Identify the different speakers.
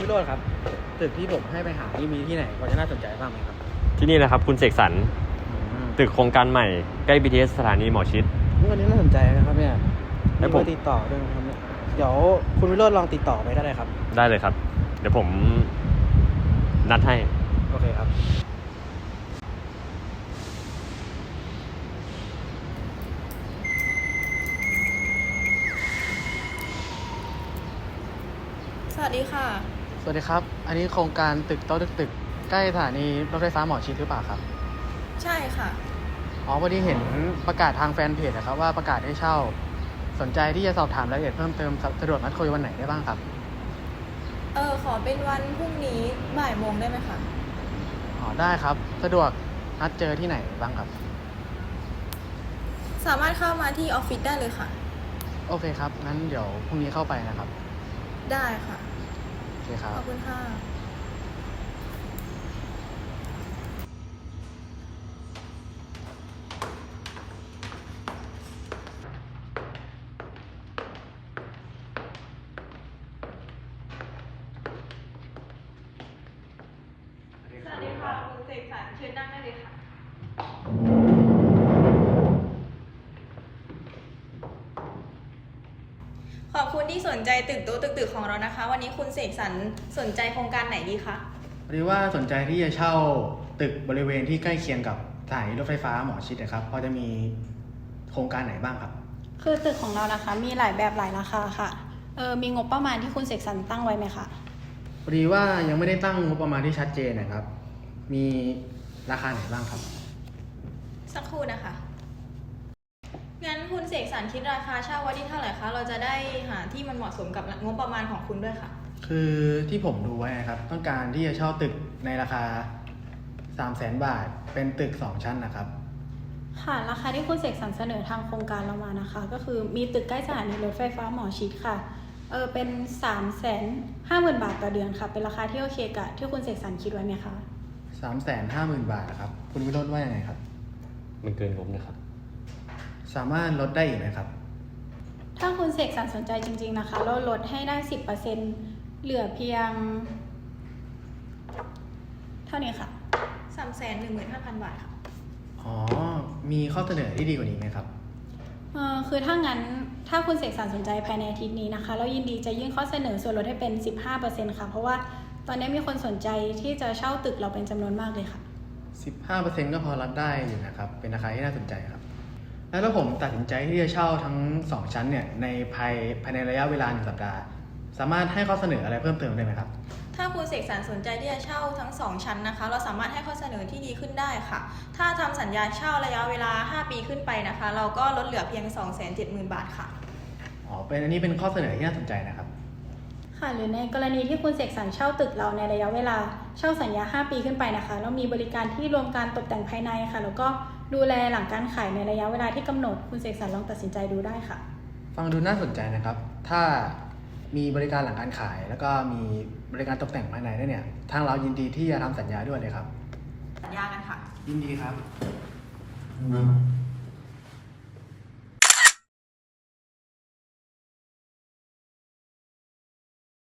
Speaker 1: วิโรจน์ครับตึกที่ผมให้ไปหานี่มีที่ไหนพอจะน่าสนใจบ้างไหมครับ
Speaker 2: ที่นี่นะครับคุณเสกสรรตึกโครงการใหม่ใกล้ BTS สถานีหมอชิด
Speaker 1: อันนี้น่าสนใจนะครับเนี่ยมี
Speaker 2: แล้ว
Speaker 1: เบ
Speaker 2: ผ
Speaker 1: อ
Speaker 2: ม
Speaker 1: ร์ติดต่อด้วยนะครับเนี่ยเดี๋ยวคุณวิโรจน์ลองติดต่อไปได้เลยครับ
Speaker 2: ได้เลยครับ เดี๋ยวผมนัดให้
Speaker 1: โอเคครับ
Speaker 3: สวัสดีค่ะ
Speaker 1: สวัสดีครับอันนี้โครงการตึกโต๊ะตึกใกล้สถานีรถไฟฟ้าหมอชิดหรือเปล่าครับ
Speaker 3: ใช่ค่ะ
Speaker 1: อ๋อพอดีเห็นประกาศทางแฟนเพจนะครับว่าประกาศให้เช่าสนใจที่จะสอบถามรายละเอียดเพิ่มเติมสะดวกนัดคุยวันไหนได้บ้างครับ
Speaker 3: ขอเป็นวันพรุ่งนี้บ่ายโมงได้ไหมคะ
Speaker 1: อ๋อได้ครับสะดวกนัดเจอที่ไหนบ้างครับ
Speaker 3: สามารถเข้ามาที่ออฟฟิศได้เลยค่ะ
Speaker 1: โอเคครับงั้นเดี๋ยวพรุ่งนี้เข้าไปนะครับ
Speaker 3: ได้ค่ะ
Speaker 1: โอเคครับ
Speaker 3: ขอบคุณค่ะ สวัสดีค่ะ คุณเสกสรรเชิญนั่งได้เลยค่ะ ขอบคุณที่สนใจตึกโต๊ะตึกของเรานะคะ วันนี้คุณเสกสรรสนใจโครงการไหนดีคะ
Speaker 1: พอดีว่าสนใจที่จะเช่าตึกบริเวณที่ใกล้เคียงกับสถานีรถไฟฟ้าหมอชิดนะครับพอจะมีโครงการไหนบ้างครับ
Speaker 4: คือตึกของเรานะคะมีหลายแบบหลายราคาค่ะมีงบประมาณที่คุณเสกสรรตั้งไว้ไหมคะ
Speaker 1: พอดีว่ายังไม่ได้ตั้งงบประมาณที่ชัดเจนนะครับมีราคาไหนบ้างครับ
Speaker 3: สักครู่นะคะ งั้นคุณเสกสรรคิดราคาเช่าไว้ที่เท่าไหร่คะ เราจะได้หาที่มันเหมาะสมกับงบประมาณของคุณด้วยค่ะ
Speaker 1: คือที่ผมดูไว้นะครับต้องการที่จะเช่าตึกในราคา 300,000 บาทเป็นตึก2ชั้นนะครับ
Speaker 4: ค่ะราคาที่คุณเสกสรรเสนอทางโครงการเรามานะคะ ก็คือมีตึกใกล้สถานีรถไฟฟ้าหมอชิดค่ะเป็น 350,000 บาทต่อเดือนค่ะเป็นราคาที่โอเคกับที่คุณเสกสรรคิดไว้ไหมคะ
Speaker 1: 350,000 บาทครับคุณวิโรจน์ว่ายังไงครับ
Speaker 2: มันเกินงบนะครับ
Speaker 1: สามารถลดได้อีกไหมครับ
Speaker 4: ถ้าคุณเสกสรรสนใจจริงๆนะคะเราลดให้ได้ 10%เหลือเพียงเท่านี้ค่ะ
Speaker 3: 315,000 บาทค่ะ
Speaker 1: อ๋อมีข้อเสนอที่ดีกว่านี้ไหมครับ
Speaker 4: คือถ้างั้นถ้าคุณเสกสรรสนใจภายในอาทิตย์นี้นะคะเรายินดีจะยื่นข้อเสนอส่วนลดให้เป็น 15% ค่ะเพราะว่าตอนนี้มีคนสนใจที่จะเช่าตึกเราเป็นจำนวนมากเลยค่ะ
Speaker 1: 15% ก็พอรับได้อยู่นะครับเป็นราคาที่น่าสนใจครับแล้วถ้าผมตัดสินใจที่จะเช่าทั้ง2ชั้นเนี่ยในภายในระยะเวลา1 สัปดาห์สามารถให้ข้อเสนออะไรเพิ่มเติมได้ไหมครับ
Speaker 3: ถ้าคุณเสกสรรสนใจที่จะเช่าทั้ง2ชั้นนะคะ เราสามารถให้ข้อเสนอที่ดีขึ้นได้ค่ะ ถ้าทำสัญญาเช่าระยะเวลา5 ปีขึ้นไปนะคะ เราก็ลดเหลือเพียง 270,000 บาทค่ะ
Speaker 1: อ๋อเป็นอันนี้เป็นข้อเสนอที่น่าสนใจนะครับ
Speaker 4: ค่ะหรือในกรณีที่คุณเสกสรรเช่าตึกเราในระยะเวลาเช่าสัญญา5 ปีขึ้นไปนะคะเรามีบริการที่รวมการตกแต่งภายในค่ะแล้วก็ดูแลหลังการขายในระยะเวลาที่กำหนดคุณเสกสรรลองตัดสินใจดูได้ค่ะ
Speaker 1: ฟังดูน่าสนใจนะครับถ้ามีบริการหลังการขายแล้วก็มีบริการตกแต่งภายในด้วยเนี่ยทางเรายินดีที่จะทำสัญญาด้วยเลยครับ
Speaker 3: สัญญากันค่ะ
Speaker 1: ยินดีครับ